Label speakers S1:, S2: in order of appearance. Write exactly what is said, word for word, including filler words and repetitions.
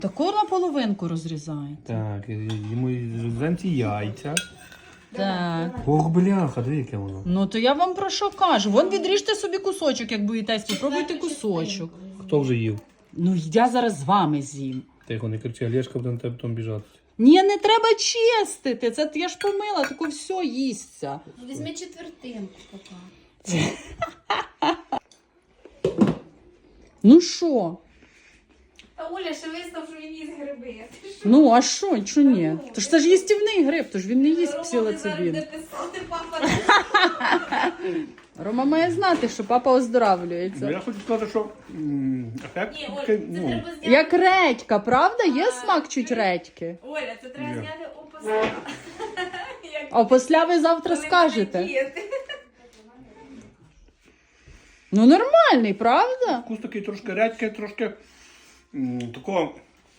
S1: Таку на половинку розрізаєте.
S2: Так, йому замці яйця.
S1: Так.
S2: Ох, бляха, диви, яке воно.
S1: Ну то я вам про що кажу. Вон відріжте собі кусочок, як боїтесь, попробуйте кусочок.
S2: Хто вже їв?
S1: Ну я зараз з вами з'їм.
S2: Тихо, не кричи, Олешка буде на тебе потім біжати.
S1: Ні, не треба чистити. Це я ж помила, тако все їсться.
S3: Візьми четвертинку, папа.
S1: Ну що?
S3: А Оля ще визнав, що він їсть гриби.
S1: Ну, а що, що ні? Тож це ж їстівний гриб, тож він не їсть псилоцибін.
S3: писати, папа.
S1: Рома має знати, що папа оздоравлюється.
S2: Ну, я хочу сказати, що м, ефект
S3: Ні, Оль,
S2: такий,
S3: це
S2: ну,
S3: треба зняти.
S1: Як редька, правда? Є смак чуть редьки.
S3: Оля, це треба
S2: Ні.
S3: зняти опосля. Як
S1: А після ви завтра
S3: коли
S1: скажете.
S3: буде діяти.
S1: Ну нормальний, правда?
S2: вкус такий трошки редький, трошки м, такого